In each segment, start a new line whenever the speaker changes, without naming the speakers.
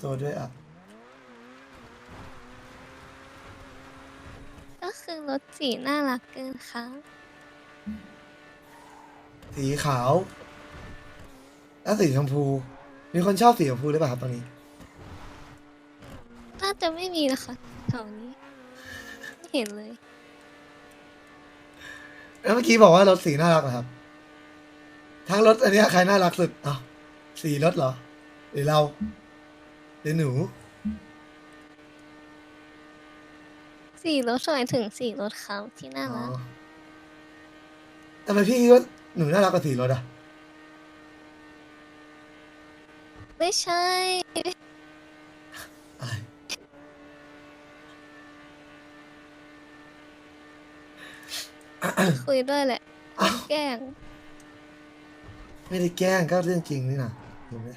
ตัวด้วยอ่ะ
ก็คือรถสีน่ารักเกินค่ะ
สีขาวแล้วสีชมพู มีคนชอบสีชมพูหรือเปล่าครับตอนนี้
น่าจะไม่มีนะคะแถวนี้ไม่เห็นเลย
แล้วเมื่อกี้บอกว่ารถสีน่ารักเหรอครับทั้งรถอันเนี้ยใครน่ารักสุดอ้าวสีรถเหรอหรือเราหรือหนู
สีรถหมายถึงสีรถเขาที่น่า
อ๋อ
รัก
ทำไมพี่คิดว่าหนูน่ารักกว่าสีรถอ่ะ
ไม่ใช่
อะไร
คุยด้วยแหละ
อ้าว
แกล้ง
ไม่ได้แกล้งก็เรื่องจริงนี่นะเห็นไหม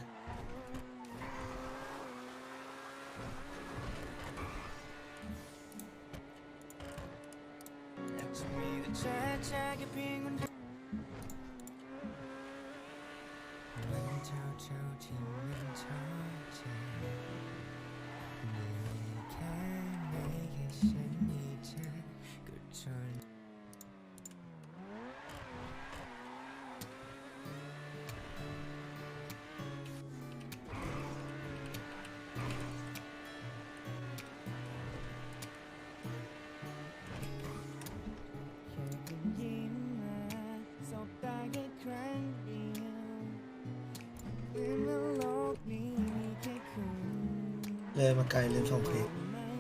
เลยมาไกลลืมส่งคลิป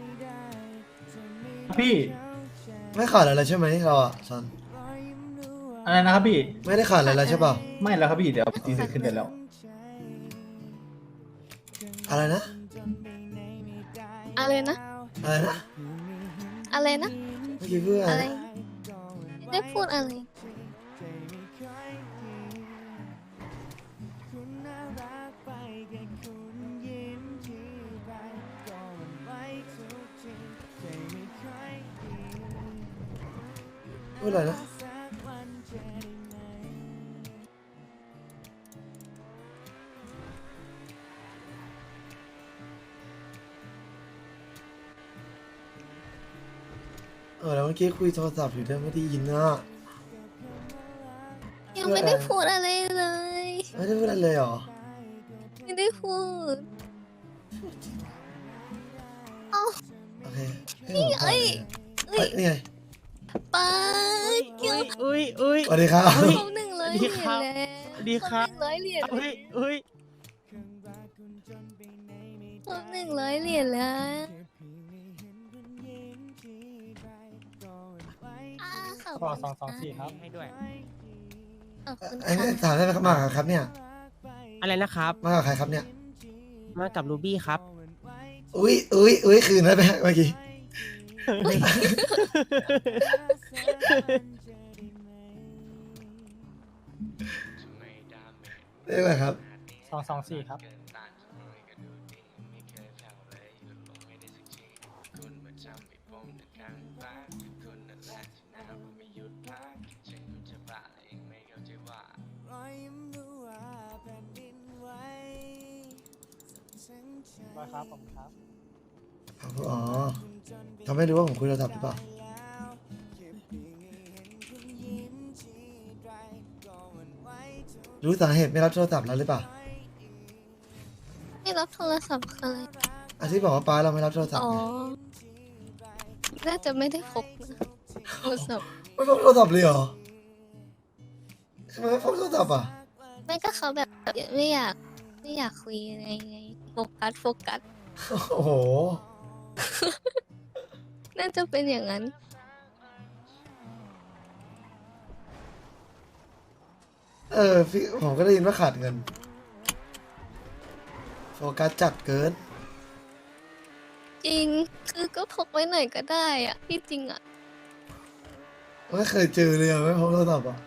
พี่
ไม่ขาดอะไรแล้วใช่ไหมเราอ่ะซัน
อะไรนะครับพี่
ไม่ได้ขาดอะไรแล้วใช่ป่ะ
ไม่แล้วครับพี่เดี๋ยวตีเสร็จขึ้นเดี๋ยวแล้ว
อะไรนะ
อะไรนะ
อะไรนะ
อะไรนะ
เมื่อกี้เพื่ออะ
อะไร ไร ไม่ได้พูดอะไร
พูดอะไรนะแล้วเมื่อกี้คุยโทรศัพท์อยู่ด้วยไม่ได้ยินนะ
ยังไม่ได้พูดอะไรเลย
ไม่ได้พูดอะไรเลยเหรอ
ไม่ได้พูดเอ้า
โอเคให้ผมต่อเลย
เอ้ย
นี่ไง
ไปเกี่ยว
อุ้ย
สวัสดีครับ
ครบ100 เหรียญแล้ว
สวัสดีครับ
ครบ100 เหรียญ
อุ้ย
ครบ100 เหรียญแล้วขอบ
ก็
คุณ
224ครับ
ให้ด้วย
ขอบคุณ
อันนี้
ค่ะ
ถามได้ไหมครับมากับครับเนี่ย
อะไรนะครับ
มากับใครครับเนี่ย
มากับรูบี้ครับ
อุ้ยคืนได้ไหมเมื่อกี้ได้ไหมครับ
224ครับ ครับผมครับ
อ๋อเขาไม่รู้ว่าผมคุยโทรศัพท์หรือเปล่า รู้สาเหตุไม่รับโทรศัพท์แล้วหรือเปล่า
ไม่รับโทรศัพท์คืออะไร
อาที่บอกว่าป้าเราไม่รับโทรศัพท์
อ๋อ
ไง
น่าจะไม่ได้พกนะโทรศัพท์
ไม่พกโทรศัพท์เลยเหรอทำไมไม่พกโทรศัพท์อ่ะ
ไม่ก็เขาแบบไม่อยากคุยไงโฟกัส
โอ้โห
น่าจะเป็นอย่างนั้น
พี่ผมก็ได้ยินว่าขาดเงิน โฟกัสจัดเกิน
จริง คือก็พกไว้หน่อยก็ได้อะที่จริงอะ
ไม่เคยเจอเลยอะไม่พกโทรศัพท์อ่ะ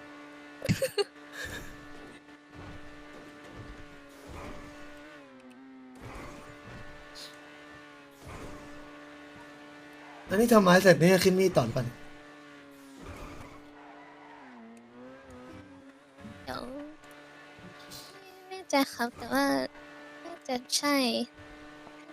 อันนี้ทำไม้เสร็จนี่จะขึ้นมีดต่อหรือเปล่าเนี่ย
เดี๋ยวไม่แน่ใจครับ แต่ว่าน่าจะใช่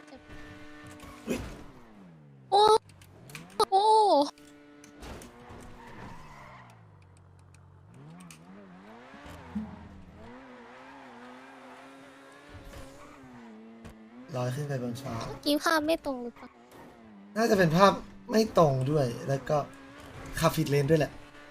ลอยขึ้นไปบนฟ้า
เมื่อกี้ภาพไม่ตรงหรือเปล่า
น่าจะเป็นภาพไม่ตรงด้วย แล้วก็ขับผิดเลนด้วยแหละ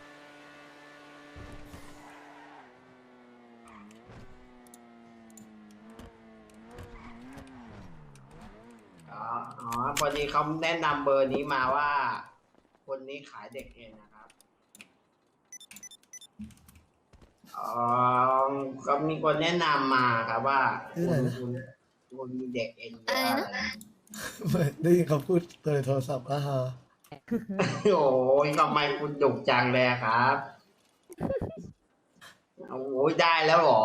อ๋อพอดีเขาแนะนำเบอร์นี้มาว่า คนนี้ขายเด็กเองนะครับอ๋อก็มีคนแนะนำมาครับว่า
ชื่ออะไรนะ
คุณมีเด็กเองเย
อะไร
อะ
นะ
ได้ยินเขาพูดโดยโทรศัพท์ฮะ
โอ้ยทำไมคุณดุจังเลยครับโอ้ยได้แล้วเหรอ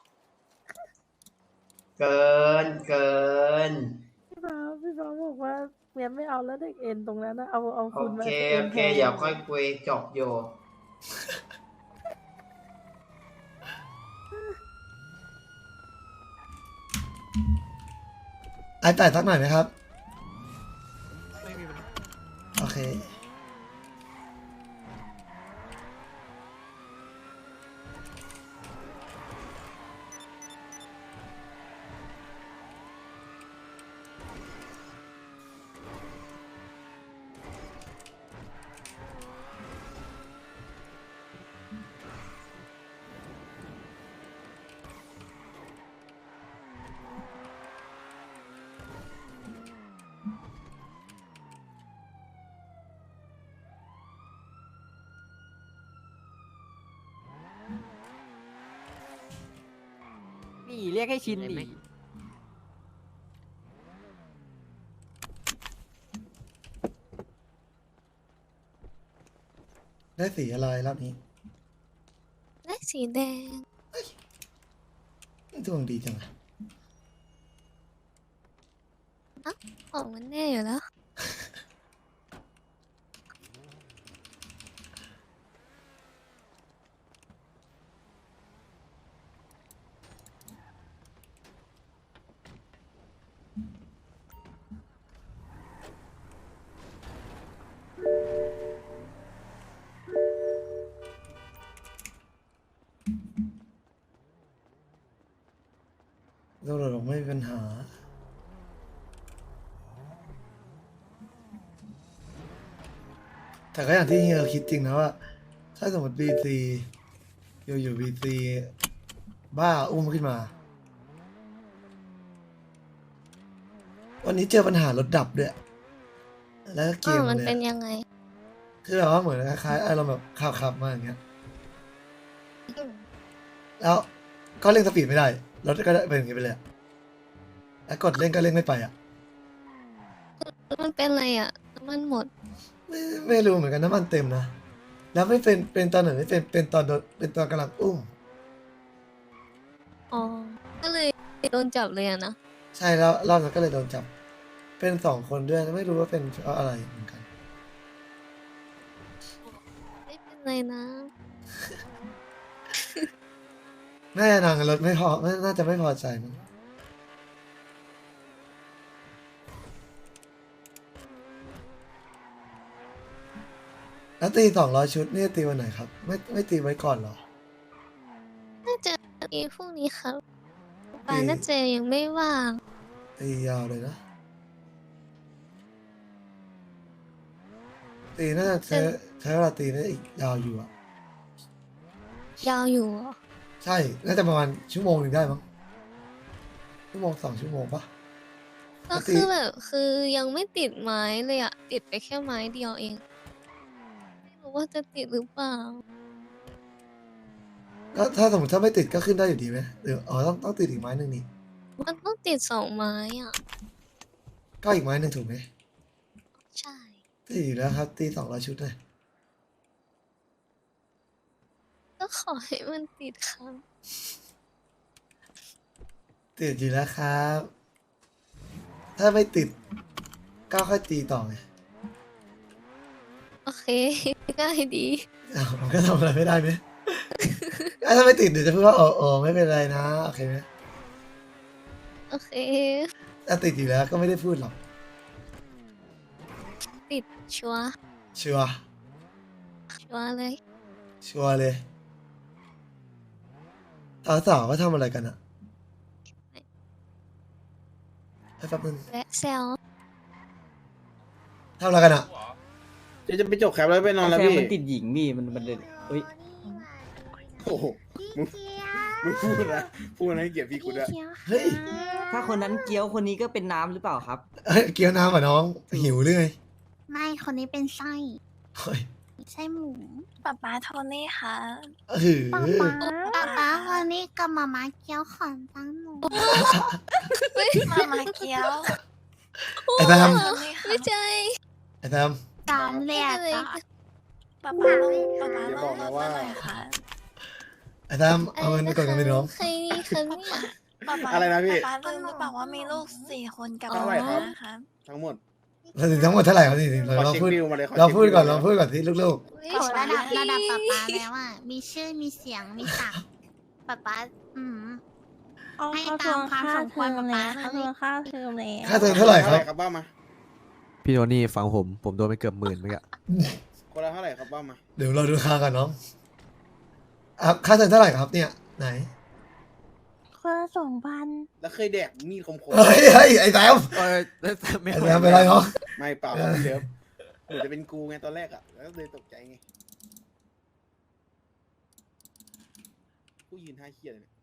เกิน
พี่ฟ้าบอกว่าเมียไม่เอาแล้วเด็กเอ็นตรงนั้นนะเอา
โอ
คุณมา
เค
เอ็
โอน เค
แทน
เดี๋ยวค่อยคุยจบอยู่
ไอแปดสักหน่อยไหมครับ โอเค
นี่เรียกให้ชินดิ
ได้สีอะไรรอบนี้
ได้สีแดง
ดวงดีจังอะ
ของมันแน่อยู่แล้ว
ตำรวจบอกไม่มีปัญหา แต่ก็อย่างที่เฮียคิดจริงนะว่า ถ้าสมมติบีซีอยู่บีซีบ้าอุ้มขึ้นมา วันนี้เจอปัญหารถดับด้วย แล้วก็เก
อ้าว
ม
มัน
เลย
เป็น
อะ
ยังไง
คือแบบว่าเหมือนคล้ายๆอารมณ์แบบขับมาอย่างเงี้ย
อืม
แล้วก็เร่งสปีดไม่ได้ รถก็เป็นอย่างงี้ไปเลยอะแล้วกดเร่งก็เร่งไม่ไปอ่ะ
มันเป็นอะไรอ่ะน้ำมันหมด
ไม่รู้เหมือนกันน้ำมันเต็มนะ แล้วไม่เป็นตอนไหนไม่เป็นตอนโดนเป็นตอนกำลังอุ้ม
อ๋อ ก็เลยโดนจับเลยอะนะ
ใช่แล้วรอบนั้นก็เลยโดนจับ เป็นสองคนด้วยไม่รู้ว่าเป็นเพราะอะไรเหมือนกัน
ไม่เป็นไรนะ
น่าจะนางรถไม่พอน่าจะไม่พอใจมั้งแล้วตี200 ชุดนี่ตีวันไหนครับ ไม่ตีไว้ก่อนเหรอ
น่าจะมีพรุ่งนี้ครับปา
อืม
น่าจะยังไม่ว่าง
ตียาวเลยนะ ตีน่าจะใช้เวลาตีได้อีกยาวอยู่อ่ะ
ยาวอยู่เหรอ
ใช่ น่าจะประมาณชั่วโมงหนึ่งได้มั้งชั่วโมง2 ชั่วโมงปะ
ก็คือแบบคือยังไม่ติดไม้เลยอะติดไปแค่ไม้เดียวเอง ไม่รู้ว่าจะติดหรือเปล่า
ก็ถ้าสมมติถ้าไม่ติดก็ขึ้นได้อยู่ดีไหมหรืออ๋อต้องติดอีกไม้หนึ่งนี่
มันต้องติด2 ไม้อ่ะ
ก็อีกไม้หนึ่งถูกไหม
ใช่
ตีอยู่แล้วครับ ตี200 ชุดเลย
ก็ขอให้มันติดครับ
ติดอยู่แล้วครับ ถ้าไม่ติดก็ค่อยตีต่อไง
โอเค ง่ายดี
อ้าวมันก็ทำอะไรไม่ได้ไหม ถ้าไม่ติดเดี๋ยวจะพูดว่าโอ้ไม่เป็นไรนะโอเคไหม
โอเค
ถ้าติดอยู่แล้วก็ไม่ได้พูดหรอก
ติดชัวร์
ชัวร์
ชัวร์เลย
ชัวร์เลยสาวๆก็ทำอะไรกันอะแป๊บนึง
และแซว
ทำอะไรกันอ่ะ
จะไปจบแคปแล้วไปนอนแล้ว
แฟ
พี่
มันติดหญิงพี่มันเดินเฮ้ย
โอ้โหมึงพูดนะให้เกียรติพี่กูด้วย
เฮ้ย
ถ้าคนนั้นเกี้ยวคนนี้ก็เป็นน้ำหรือเปล่าครับ
เฮ้ยเกี๊ยวน้ำอ่ะน้องหิวหรือไง
ไม่คนนี้เป็นไส้
เฮ้ย
ไส้หมู
ป๊าโทนี่ค่ะ
หือ
ป๊าคนนี้กับมาม่าเกี๊ยวขอนตั้งหมู
มาเกี๊ยว
ไอ้แซม
ไม่ใจ
ไอ้แซม
ตามเรียกอะ
ป๊า
อย่าบอกนะว่า
ไอ้แซมเอาเงินไปก่อนกันไปน้อง
ใครนี่คะเนี่ย
อะไรนะพี่
ป๊าลืมหรือเปล่าว่ามีลูก4 คนกับ
เท่าไหร่ครับ
นะคะ
ทั้งหมด
เราถึงทั้งหมดเท่าไหร่ครับนี่เรา
ขอเช็ค
พูด
บิลมาเลยขอ
เรา
เช็ค
พูดก่อน
บิล
เราพูดก่อนที่ลูก
โอ้ระดับป๊าแล้วอะมีชื่อมีเสียงมีศักดิ์ป๊าให้ตามความสมควรป๊าเขาเลย
ค่าเทอมแล้ว
ๆค่าเทอมเท่าไหร่ครับ
ครับบ้ามา
พี่โทนี่ฟังผมโดนไปเกือบ10,000เมื่อกี้
คนละเท่าไหร่ครับบ้ามา
เดี๋ยวเราดูค่ากันน้องอ่ะค่าเทอมเท่าไหร่ครับเนี่ยไหน
คนละ2,000
แล้วเคยแดกมีดคม
เฮ้ยเฮ้ยไอ้แซม
ไม่
ไอ้แซมเป็นไรเนาะ
ๆไม่เปล่าครับพี่เลิฟเหมือนจะเป็นกูไงตอนแรกอ่ะแล้วเลยตกใจไงกูยืนท่าเคียเลยเนี่ย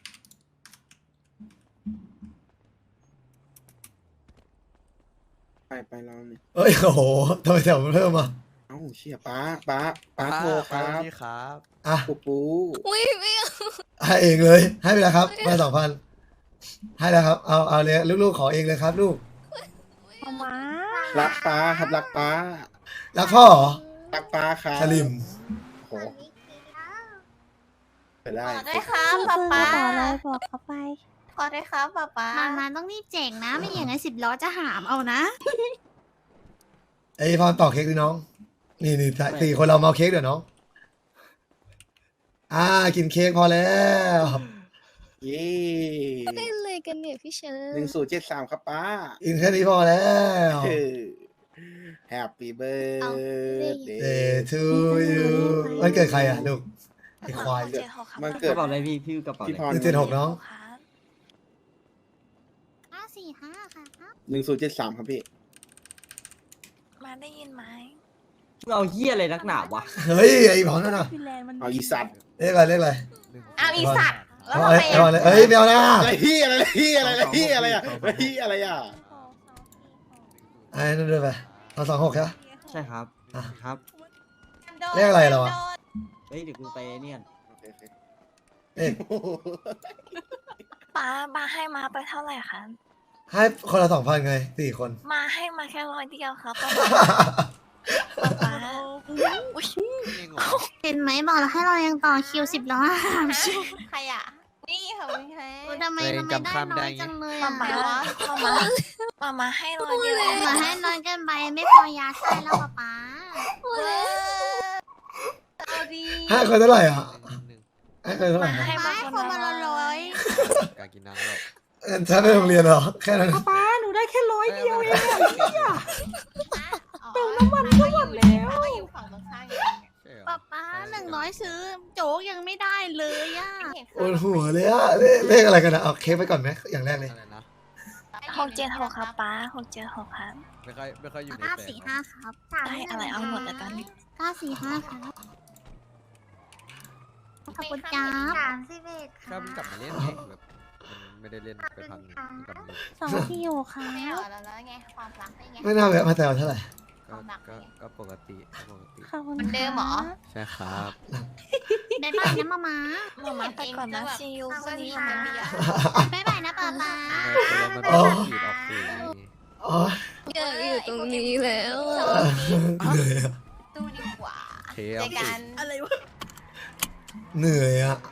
ไปเราเนี่ย
เฮ้ยโอ้โหทำไมแถวมันเพิ่มอ่ะ
เอ้าเชี่ยป้าโทรครับ
พี่ครับ
อ่ะ
ปู
อุ้ยไม่เอา
ให้เองเลยให้ไปแล้วครับมา2,000ให้แล้วครับเอาเลยลูกๆขอเองเลยครับลูก
มา
รักป้าครับรักป้า
รักพ่อเหรอ
รักป้าครับ
สลิม
โอ้โหไปได้
ได้ครับป๊า
ป๊า
ป๊า
อะไรบอกเขาไป
ขอได้ครับป๊ามาต้องรีบแจกนะ ไม่อย่างนั้น10 ล้อจะหามเอานะ
ไอ้พรต่อเค้กดิน้อง นี่4 คนเรามาเอาเค้กเดี๋ยวน้องกินเค้กพอแล้ว
เย้
เล่นเลยกันเนี่ยพี่เชิญ
1073ครับป้า
กินแค่นี้พอแล้ว
Happy birthday
Day to you วันเกิดใครอ่ะลูกไอ้ควาย
มัน
ก
เกิด
ระเป๋าอะไรพี่กระเป๋า
พี่พ
อะไร
ร
176น้อง
545ค่ะ
1073ครับพี่
มาได้ยินไหม
มึงเอาเหี้ยอะไรนักหนาวะ
เฮ้ยไอ้พรนั่นน่ะ
พี่แลนด์มัน
เอาอีสัตว์
เรียกอะไร
เอาอีสัตว์
เอาอะไรเอ้ยไม่เอานะ
อะไรพี่อะไรอ่ะอะไรอ่ะ
ไอ้นั่นด้วยไปเอา26ครับ
ใช่ครับ
อ่ะ
ครับ
เรียกอะไรเราอ่ะ
เฮ้ยเดี๋ยวกูไปเนี่ย
เอ๊ะ
ป๊าให้มาไปเท่าไหร่คะ
ให้คนละ2,000ไง4 คน
มาให้มาแค่100 เดียวครับป๊า
เห็นไหมบอกแล้วให้เรายังต่อคิว10 ล้อหามชิ
ใครอ่ะนี่ค่ะคุณแท้
ทำไมได้น้อยจังเลย
ป๊า
อ่ะ
มาให้100 เดียว
มาให้น้อยเกินไปไม่พอยาไส้แล้วป๊า
เอาดี
ให้คนเท่าไหร่อ่ะให้คนเท่าไหร่ครับ
ให้มา
ให้
ค
คน
น
มา
ละ
ร้อย
การกินน้ำแล้ว
ฉันไปโรงเรียนเหรอแค่นั้น
ป๊าหนูได้แค่100 เดียวเอง
เติมน้ำมันก็หมดแล้ว
อยู่ฝั่งตรงข้าม
ป๊า100ซื้อโจ๊กยังไม่ได้เลยอ่ะ
ปวดหัวเลยอะเลขอะไรกันนะเอาเค้กไปก่อนไหมอย่างแรกเลย
อะไรนะ
676ครับป๊า676ครับ
ไม่ค่อยอยู่ในแปลง
945ครับ
ได้อะไรเอาหมดแล้วตอนนี้
945ครับขอบคุณจ้า
ก็เพิ่งกลับมาเล่นไงแบบมันไม่ได้เล่นไปพักหนึงเพิ่งกลับมาเล่น
2 ที่อยู่ค่ะ
ไม่เอาแล้วไงความรักได้ไง
ไม่น่าแวะมาแต่เท่าไหร่
ก็ปกติ
ขอบคุณ
มันเดิมเหรอ
ใช่ครับ
บ๊ายบายนะมาม้า
มาไปก่อนนะซีอูพรุ่งนี้วันนี้
บ๊ายบายนะป๊าป๊า
มันเป็นขีดออกสื่อ
อ๋อ
อยากอยู่ตรงนี้แล้วอะ
เหนื่อยอะ
ดูดีกว่า
เทออกสื่อ
อะไรวะ
เหนื่อยอะ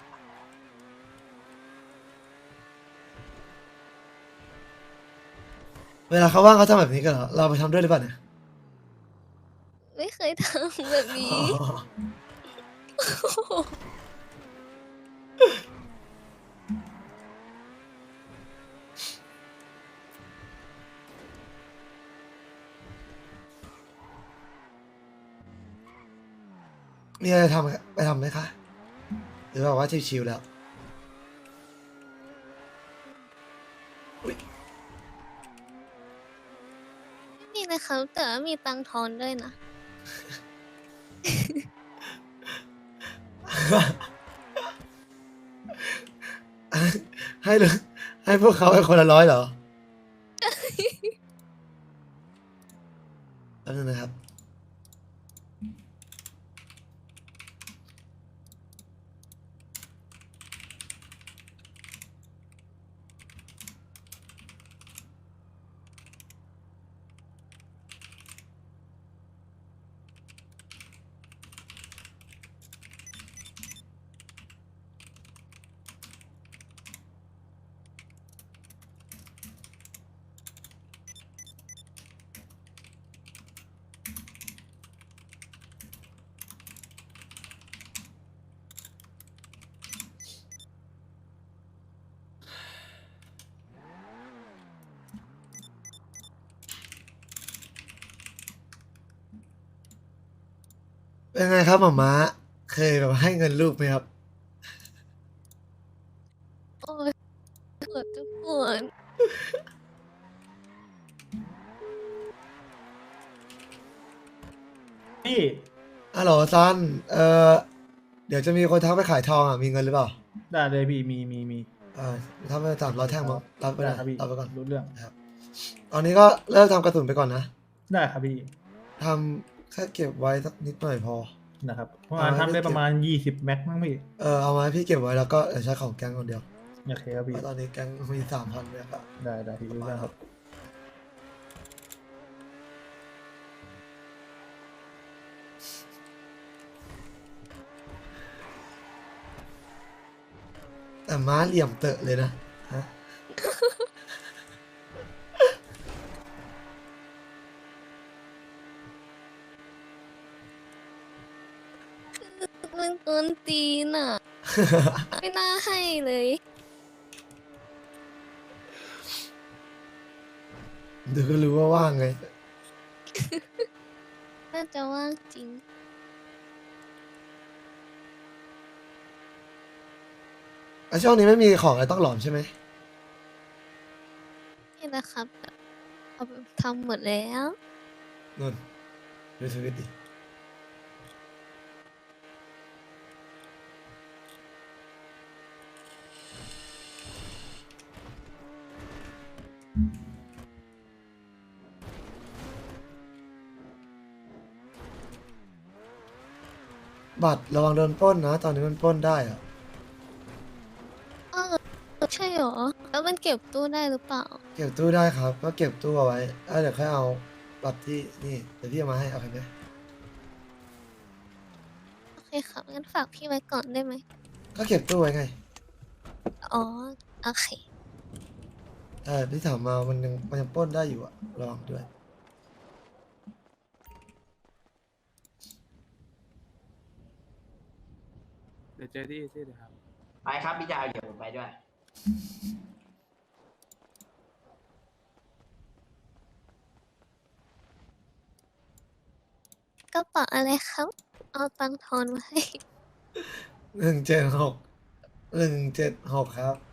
เวลาเขาว่างเขาทำแบบนี้กันเหรอเราไปทำด้วยหรือเปล่าเนี่ย
ไม่เคยทำแบบนี้
อ๋อมีอะไรทำไปทำไหมคะหรือว่าชิวๆแล้ว
เ
อุ๊ย
ครับ แต่ว่ามีตังค์ทอนด้วยนะ
ให้เลยให้พวกเขาให้คนละ100เหรอแป๊บนึงนะครับ เป็นไงครับหม่าม้าเคยแบบให้เงินลูกไหมครับ
โอ้ยปวดจะปวด
พี่
ฮัลโหลซันเดี๋ยวจะมีคนทักไปขายทองอ่ะ มีเงินหรือเปล่า
ได้เลยพี่มี
ทำไป300 แท่งมั้งรับไปเล
ได้
ย
ครับพี่
รับไปก่อน
รู้เรื่อง
ตอนนี้ก็เลิกทำกระสุนไปก่อนนะ
ได้ครับพี่
ทำแค่เก็บไว้สักนิดหน่อยพอ
นะครับประมาณทำได้ประมาณ20 แม็กมั้งพี่
เอามาให้พี่เก็บไว้แล้วก็เดี๋ยวใช้ของแก๊งคนเดียว
โอเคครับ
เพ
พี่
ราะตอนนี้แก๊งมี3,000เนี่ยครับ
ได้พี่รู้เรื่องครับ
แต่ม้าเหลี่ยมเตอะเลยนะฮะ
มันกวนตีนอ่ะ ไม่น่าให้เลย
เดี๋ยวก็รู้ว่าว่างไง
น่าจะว่างจริง
ช่วงนี้ไม่มีของอะไรต้องหลอมใช่ไหม
นี่แหละครับเอาไปทำหมดแล้ว
นุ่นดูสวิตดิบัตรระวังโดนปล้นนะ ตอนนี้มันปล้นได้อะ
เออใช่เหรอ แล้วมันเก็บตู้ได้หรือเปล่า
เก็บตู้ได้ครับ ก็เก็บตู้เอาไว้เดี๋ยวค่อยเอาบัตรที่นี่ เดี๋ยวพี่เอามาให้เอาไปไหม
โอเคครับงั้นฝากพี่ไว้ก่อนได้ไหม
ก็เก็บตู้ไว้ไง
อ๋อ โอเค
พี่ถามมามันยังปล้นได้อยู่อะระวังด้วย
เดี๋ยวเจอที่เลยครับ
ไปครับพี่ดาวเดี๋ยวผมไปด้วย
กระเป๋าอะไรครับ เอาตังค์ทอนมาให้
176 176 ครับ